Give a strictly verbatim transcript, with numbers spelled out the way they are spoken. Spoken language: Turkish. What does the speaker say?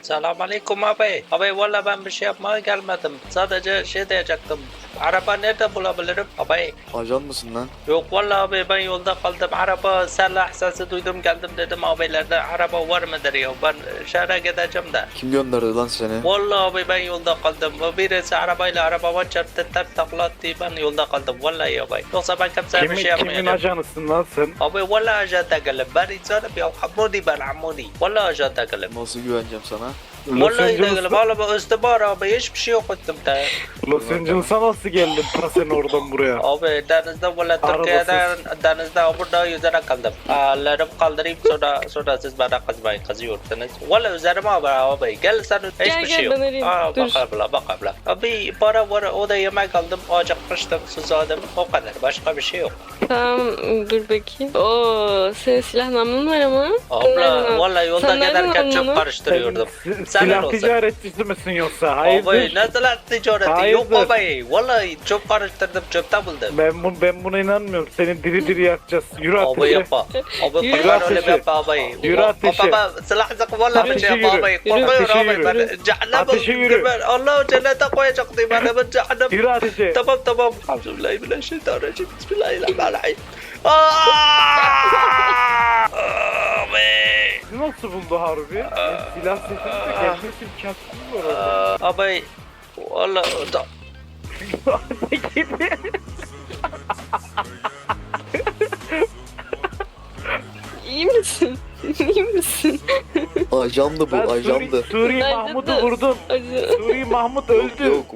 Selamünaleyküm abi. Abi valla ben bir şey yapmaya gelmedim. Sadece şey diyecektim. Araba nerede bulabilirim? Abi. Ajan mısın lan? Yok valla abi ben yolda kaldım. Araba silah sesi duydum geldim dedim abilerde araba var mıdır ya? Ben şehre gideceğim de. Kim gönderdi lan seni? Valla abi ben yolda kaldım. Birisi arabayla arabama çarptı tak taklattı ben yolda kaldım. Vallahi abi. Yoksa ben kimseye bir Kimin, şey kimin yapmayacağım. ajanısın lan sen? Abi valla ajan değilim. Ben insanım ya. Hamudi ben Hamudi. Valla ajan değilim. Nasıl güveneceğim sana? Los Vallahi değilim. Angeles'a, Valla ben istihbar abi. Hiçbir şey yok ettim de. Los Angeles'a nasıl geldin ta sen oradan buraya? Abi denizde valla Türkiye'den denizde burada yüzerek kaldım. Ellerim kaldırayım sonra sonra siz bana kızmayın kızıyorsunuz. Valla üzerime abi abi gel sen hiçbir Gel, şey gel, yok. ben arayayım. Aa, Dur. bak abla bak abla. Abi para var o da yemek aldım acıkmıştım susadım o kadar başka bir şey yok. Tamam dur bakayım. Oo senin silah namlun var ama. Abla valla yolda Sen nereden giderken aldın çok onu? karıştırıyordum. Si- Senin silah olsun. ticaretçisi misin yoksa? Hayırdır? Abi ne silah ticareti yok Hayırdır? abi. Vallahi çok karıştırdım çöpte buldum. Ben, bu, ben buna inanmıyorum. Seni diri diri yakacağız. Yürü Abi ateşe. yapma. Abi Yürü kurban öyle ateşe. yapma abi. Yürü ateşe. Baba silah sık valla bir Ateşe şey yapma yürü. abi. Yürü. Korkuyorum Ateşe abi. yürü. Ben cehenneme Ateşe yürü. ben Allah cennete koyacaktım ben ben cehennem. Yürü ateşe. Tamam tamam. Bismillahirrahmanirrahim. Bismillahirrahmanirrahim. Aa! Abi. Sizi nasıl buldu harbi? Ben silah sesini de gelmesin kaçtım var orada. Aa, Abi. Valla da. İyi misin? İyi misin? Ajandı bu, Ben Suri, ajandı. Suri Bence Mahmut'u de. vurdum. Acı. Suri Mahmut Yok öldü. yok,